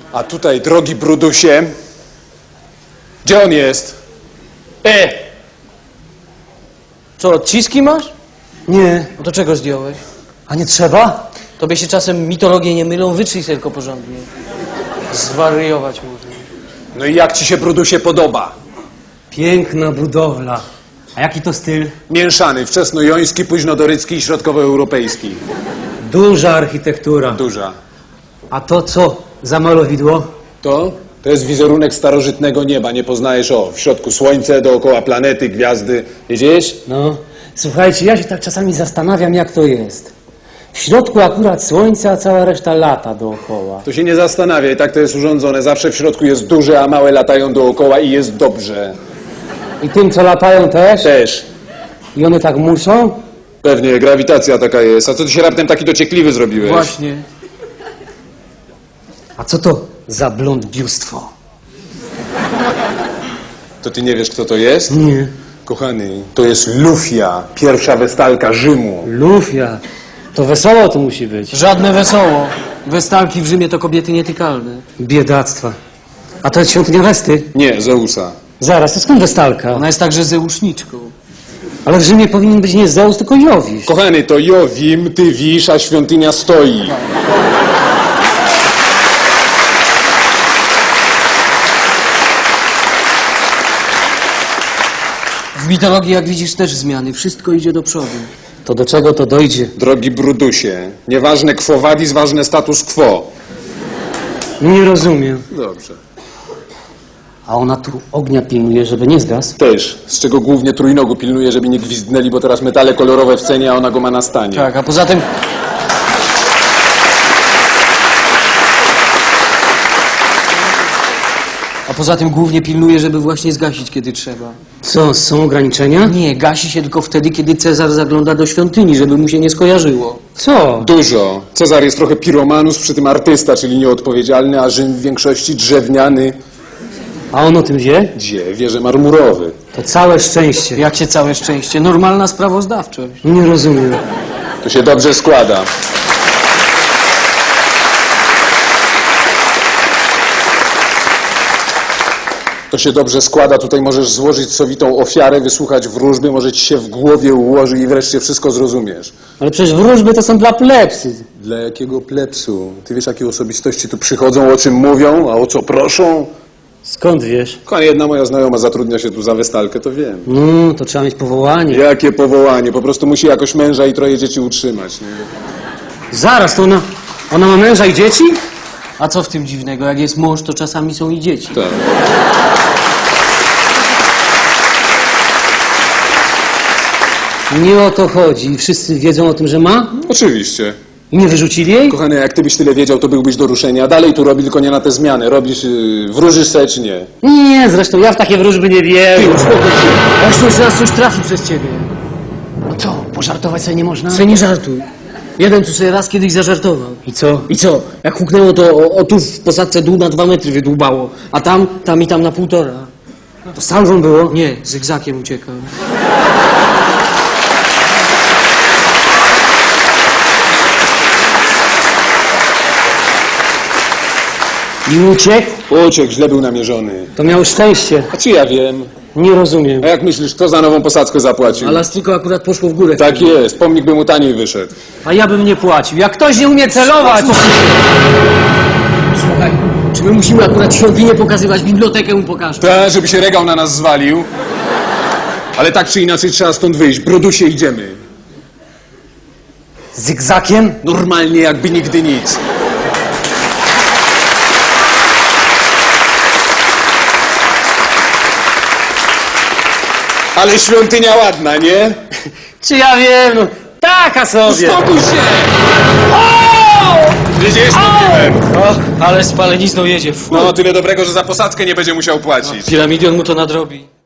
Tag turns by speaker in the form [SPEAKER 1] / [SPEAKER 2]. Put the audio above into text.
[SPEAKER 1] A tutaj, drogi Brudusie, gdzie on jest?
[SPEAKER 2] Co, odciski masz?
[SPEAKER 3] Nie.
[SPEAKER 2] No to czego zdjąłeś?
[SPEAKER 3] A nie trzeba?
[SPEAKER 2] Tobie się czasem mitologie nie mylą, wytrzyj sobie tylko porządnie. Zwariować można.
[SPEAKER 1] No i jak ci się, Brudusie, podoba?
[SPEAKER 3] Piękna budowla. A jaki to styl?
[SPEAKER 1] Mieszany, wczesnojoński, późnodorycki i środkowoeuropejski.
[SPEAKER 3] Duża architektura.
[SPEAKER 1] Duża.
[SPEAKER 3] A to co za malowidło?
[SPEAKER 1] To jest wizerunek starożytnego nieba, nie poznajesz, w środku słońce, dookoła planety, gwiazdy. Widzisz?
[SPEAKER 3] No, słuchajcie, ja się tak czasami zastanawiam, jak to jest. W środku akurat słońce, a cała reszta lata dookoła.
[SPEAKER 1] To się nie zastanawiaj, tak to jest urządzone. Zawsze w środku jest duże, a małe latają dookoła i jest dobrze.
[SPEAKER 3] I tym, co latają też?
[SPEAKER 1] Też.
[SPEAKER 3] I one tak muszą?
[SPEAKER 1] Pewnie, grawitacja taka jest. A co ty się raptem taki dociekliwy zrobiłeś?
[SPEAKER 2] Właśnie.
[SPEAKER 3] A co to za blondbiustwo?
[SPEAKER 1] To ty nie wiesz, kto to jest?
[SPEAKER 3] Nie.
[SPEAKER 1] Kochany, to jest Lufia, pierwsza westalka Rzymu.
[SPEAKER 3] Lufia. To wesoło to musi być.
[SPEAKER 2] Żadne wesoło. Westalki w Rzymie to kobiety nietykalne.
[SPEAKER 3] Biedactwa. A to jest świątynia Westy?
[SPEAKER 1] Nie, Zeusa.
[SPEAKER 3] Zaraz, to skąd Westalka?
[SPEAKER 2] Ona jest także zeuszniczką.
[SPEAKER 3] Ale w Rzymie powinien być nie Zeus, tylko Jowisz.
[SPEAKER 1] Kochany, to Jowim, ty wisz, a świątynia stoi.
[SPEAKER 2] W mitologii, jak widzisz, też zmiany. Wszystko idzie do przodu.
[SPEAKER 3] To do czego to dojdzie?
[SPEAKER 1] Drogi Brudusie, nieważne quo vadis, ważne status quo.
[SPEAKER 3] Nie rozumiem.
[SPEAKER 1] Dobrze.
[SPEAKER 3] A ona tu ognia pilnuje, żeby nie zgasł?
[SPEAKER 1] Też, z czego głównie trójnogu pilnuje, żeby nie gwizdnęli, bo teraz metale kolorowe w cenie, a ona go ma na stanie.
[SPEAKER 2] Tak, a poza tym... A poza tym głównie pilnuje, żeby właśnie zgasić, kiedy trzeba.
[SPEAKER 3] Co, są ograniczenia?
[SPEAKER 2] Nie, gasi się tylko wtedy, kiedy Cezar zagląda do świątyni, żeby mu się nie skojarzyło.
[SPEAKER 3] Co?
[SPEAKER 1] Dużo. Cezar jest trochę piromanus, przy tym artysta, czyli nieodpowiedzialny, a Rzym w większości drewniany.
[SPEAKER 3] A on o tym wie?
[SPEAKER 1] Gdzie? Wieże marmurowy.
[SPEAKER 3] To całe szczęście.
[SPEAKER 2] Jak się całe szczęście? Normalna sprawozdawczość.
[SPEAKER 3] Nie rozumiem.
[SPEAKER 1] To się dobrze składa. To się dobrze składa, tutaj możesz złożyć sowitą ofiarę, wysłuchać wróżby, może ci się w głowie ułoży i wreszcie wszystko zrozumiesz.
[SPEAKER 3] Ale przecież wróżby to są dla plebsy.
[SPEAKER 1] Dla jakiego plepsu? Ty wiesz, jakie osobistości tu przychodzą, o czym mówią, a o co proszą?
[SPEAKER 3] Skąd wiesz?
[SPEAKER 1] Kochanie, jedna moja znajoma zatrudnia się tu za westalkę, to wiem.
[SPEAKER 3] No, to trzeba mieć powołanie.
[SPEAKER 1] Jakie powołanie, po prostu musi jakoś męża i troje dzieci utrzymać. Nie?
[SPEAKER 3] Zaraz, to ona ma męża i dzieci?
[SPEAKER 2] A co w tym dziwnego? Jak jest mąż, to czasami są i dzieci.
[SPEAKER 1] Tak.
[SPEAKER 3] Nie o to chodzi. Wszyscy wiedzą o tym, że ma?
[SPEAKER 1] Oczywiście.
[SPEAKER 3] I nie wyrzucili jej?
[SPEAKER 1] Kochany, jak ty byś tyle wiedział, to byłbyś do ruszenia. Dalej tu robi, tylko nie na te zmiany. Robisz, wróżysz se czy nie?
[SPEAKER 3] Nie, zresztą ja w takie wróżby nie wierzę.
[SPEAKER 1] Ty, uspokój się.
[SPEAKER 2] Właśnie już raz coś trafi przez ciebie.
[SPEAKER 3] No co, pożartować sobie nie można?
[SPEAKER 2] Co nie żartuj. Jeden tu sobie raz kiedyś zażartował.
[SPEAKER 3] I co?
[SPEAKER 2] I co? Jak huknęło, to o tu w posadce dół na 2 metry wydłubało. A tam i tam na 1,5.
[SPEAKER 3] To salwą było?
[SPEAKER 2] Nie, zygzakiem uciekał.
[SPEAKER 3] I uciekł?
[SPEAKER 1] Uciekł, źle był namierzony.
[SPEAKER 3] To miał szczęście.
[SPEAKER 1] A czy ja wiem?
[SPEAKER 3] Nie rozumiem.
[SPEAKER 1] A jak myślisz, kto za nową posadzkę zapłacił?
[SPEAKER 2] A Lastriko akurat poszło w górę.
[SPEAKER 1] Tak jest, pomnik by mu taniej wyszedł.
[SPEAKER 3] A ja bym nie płacił. Jak ktoś nie umie celować...
[SPEAKER 2] Słuchaj, czy my musimy akurat świątynię pokazywać, bibliotekę mu pokażę?
[SPEAKER 1] Tak, żeby się regał na nas zwalił. Ale tak czy inaczej trzeba stąd wyjść. Brudusie, idziemy.
[SPEAKER 3] Zygzakiem?
[SPEAKER 1] Normalnie, jakby nigdy nic. Ale świątynia ładna, nie?
[SPEAKER 3] Czy ja wiem, no taka sobie.
[SPEAKER 1] Uspokój się! Widzisz, mówiłem.
[SPEAKER 2] Och, ale spalenizną jedzie.
[SPEAKER 1] No, tyle dobrego, że za posadzkę nie będzie musiał płacić.
[SPEAKER 2] Piramidion mu to nadrobi.